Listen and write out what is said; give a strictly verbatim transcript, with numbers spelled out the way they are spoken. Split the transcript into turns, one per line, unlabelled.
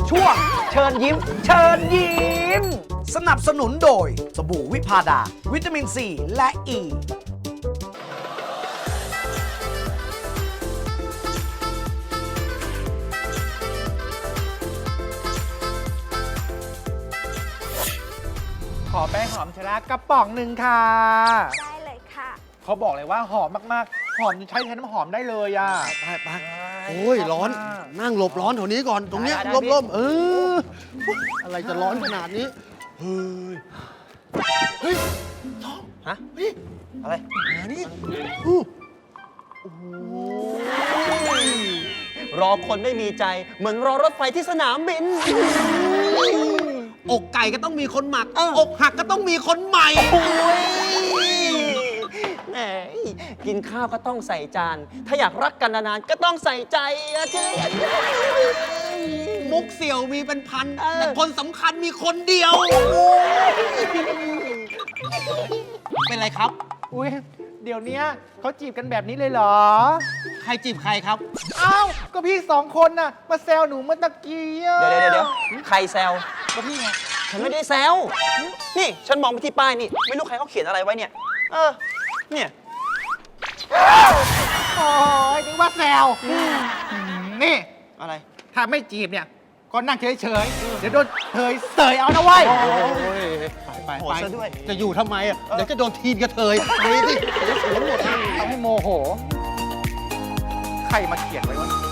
ช่วงเชิญยิ้ม เชิญยิ้ม สนับสนุนโดยสบู่วิพาดา วิตามินซีและอ e. ี
ขอแป้งหอมชะลากระป๋องหนึ่งค่ะ
ได้เลยค่ะ
เขาบอกเลยว่าหอมมากๆ หอมจนใช้แทนน้ำหอมได้เลยอ่ะ
ไปไปโอ้ยร้อน นั่งหลบร้อนแถวนี้ก่อน ตรงเนี้ย
ได้ได้
ร่ม
พี่
ร่มๆเออ อะไรจะร้อนขนาดนี้ เฮ้ย เฮ้ยท้อง
ฮะ
เฮ้ย
อะไร
มานี่อู้โอ้โห
รอคนไม่มีใจ เหมือนรอรถไฟที่สนามบิน
อกไก่ก็ต้องมีคนหมัก
เออ
อกหักก็ต้องมีคนใหม่
โอ้ยแหมกินข้าวก็ต้องใส่จาน ถ้าอยากรักกันนานๆก็ต้องใส่ใจอะเจ๊
มุกเสี่ยวมีเป็นพัน
เออ
แต่คนสำคัญมีคนเดียว เป็นไรครับ
อุ้ยเดี๋ยวเนี้ยเขาจีบกันแบบนี้เลยเหรอ
ใครจีบใครครับ
เอ้า ก็พี่สองคนน่ะ มาแซวหนูเมื่อตะกี้อะ
เดี๋ยวเดี๋ยวเดี๋ยวใครแซว
ก็พี่ไง
ฉันไม่ได้แซว นี่ ฉันมองไปที่ป้ายนี่ ไม่รู้ใครเขาเขียนอะไรไว้เนี่ย เออ เนี่ย
โอ้ยนึกว่าแซวอืมนี่
อะไร
ถ้าไม่จีบเนี่ย ก็นั่งเฉยๆ เดี๋ยวโดนเทยเสยเอานะเว้ย
โอ้ย
ไป
โห
ไป
ซะด้วย
จะอยู่ทำไมอ่ะ เดี๋ยวจะโดนทีนกระเทยไปสิเดี๋ยวสวนหมดอ่ะ
ทำให้โมโห ใครมาเขียนไว้ว่า